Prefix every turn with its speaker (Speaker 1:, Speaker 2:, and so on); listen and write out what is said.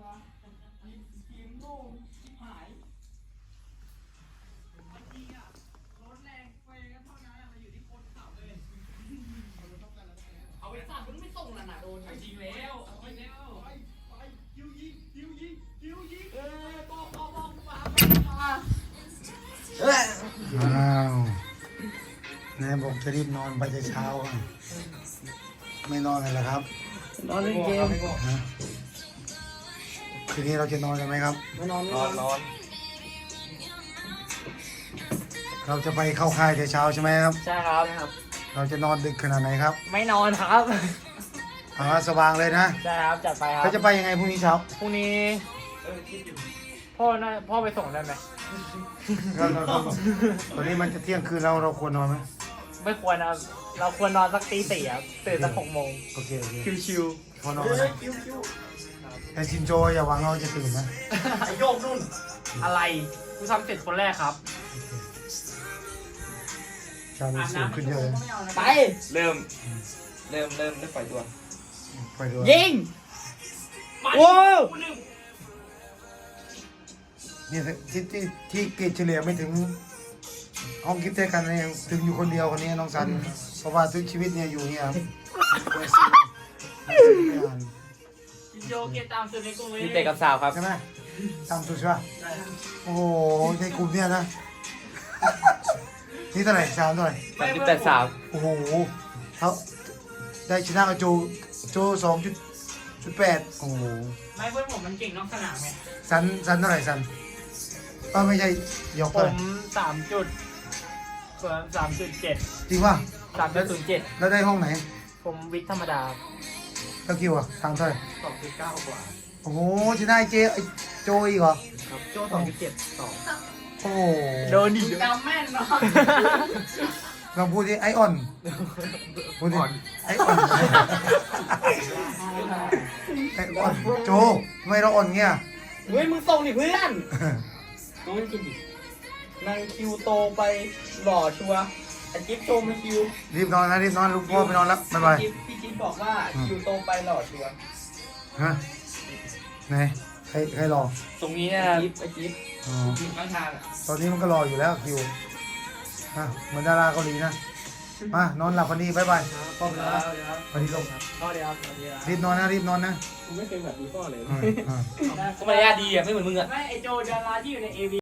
Speaker 1: ทีมโง่ชิบหายเมื่อกี้อะรถแรงไปกันเท่านั้นมาอยู่ที่โคนเขาเลยเอาไปสาดมันไม่ส่งน่ะโดนจริงแล้วไปคิวยิงบอกมา
Speaker 2: อ้าวนายบอกจะรีบนอนไปแต่เช้าอ่ะไม่นอนเลยเหรอครับ
Speaker 1: นอนเล่นเกม
Speaker 2: ฮะคืนนี้เราจะนอนกันไหมครับ
Speaker 1: ไม่นอน
Speaker 2: เราจะไปเข้าค่ายแต่เช้าใช่ไหมครับ
Speaker 1: ใช่ครับ
Speaker 2: เราจะนอนดึกขนาดไหนครับ
Speaker 1: ไม่นอนครับ
Speaker 2: สว่างเลยนะ
Speaker 1: ใช่ครับจัดไปครับ
Speaker 2: เราจะไปยังไงพรุ่งนี้เช้า
Speaker 1: พรุ่งนี้พ่อไปส่งได้ไหม
Speaker 2: เราตอนนี้มันจะเที่ยงคืนแล้วเราควรนอนไหม
Speaker 1: ไม่ควรนะเราควรนอนสักตีสี่ครับตื่นสัก6 โมง
Speaker 2: โอเคโอเค
Speaker 1: ชิว
Speaker 2: พอนอนนะแต่ชินโจอย่าหวังเราจะตื่นนะ
Speaker 1: ไอโยกนุ่นอะไรกูทำเสร็จคนแรกครับ
Speaker 2: ชามีสูงขึ้นเยอะเลย
Speaker 1: ไป
Speaker 3: เริ่มได้ปล่อยตัว
Speaker 2: ไปดู
Speaker 1: ยิงโว้ว
Speaker 2: นี่ที่เกรดเฉลี่ยไม่ถึงห้องคิดเท่กันเนี่ยถึงอยู่คนเดียวคนนี้น้องสันเพราะว่าทุกชีวิตเนี่ยอยู่เนี่ยครับไม่อ่าน
Speaker 1: โยเกตามสุดในกลุ่ม
Speaker 3: มีเตะกับสาวครับ
Speaker 2: ใช่ไหมตามสุดใช่ป่ะโอ้โหในกลุ่มเนี่ยนะนี่เท่าไหร่สามเท่าไหร่
Speaker 3: 38 สาว
Speaker 2: โอ้โหเขาได้ชนะกับโจ2.8โอ้โห
Speaker 1: ไม่เพื่อนผมมันเก่งนอกสนามไง
Speaker 2: สันเท่าไหร่สันไม่ใช่ยก
Speaker 1: ผ
Speaker 2: เท่าไหร่
Speaker 1: ม3.7
Speaker 2: จริงป่ะ
Speaker 1: 3.07
Speaker 2: แล้วได้ห้องไหน
Speaker 1: ผมวิทย์ธรรมดา
Speaker 2: แล้วคิวอ่ะทางเท่าไหร่
Speaker 1: 2.9 กว่า
Speaker 2: โอ้โหชนะไอ้โจอีกเหรอ
Speaker 1: ครับโจ2.7
Speaker 2: โอ้โห
Speaker 1: โดนดิจำแม่นเนาะ
Speaker 2: ลองพูดดิไอออนพูดดิไอออนไอออนโจทำไมเราอ่อนเงี้ย
Speaker 1: เฮ้ยมึงส่งดิเพื่อนน้องกินดินางคิวโตไปหล่อชัวไอจิ๊บโชว์มาคิว
Speaker 2: รีบนอนนะรีบนอนลูกพ่อไปนอนแล้วบ๊ายบาย
Speaker 1: พี่จิ๊บบอกว่าคิวโตไปหล่อชัว
Speaker 2: ฮะไหนใครรอ
Speaker 3: ตรงนี้นะ
Speaker 1: ไอจิ๊บ
Speaker 2: อ๋อ
Speaker 3: ทีมข้างทางอะ
Speaker 2: ตอนนี้มันก็รออยู่แล้วคิวฮะเหมือนดาราเกาหลีนะมานอนหลับวันนี้บ๊ายบายพ่อไปนอนแล้ววันนี้ลง
Speaker 1: พ่อเดียวครับเดียว
Speaker 2: รีบนอนนะรีบนอนนะ
Speaker 1: กูไม่เคยแบบนี้พ่อเลย
Speaker 2: อืม
Speaker 3: ก็มารยาทดีอ่ะ ไม่เหมือนมึงอ่ะ
Speaker 1: ไม่ไอโจดาราที่อยู่ในเอวี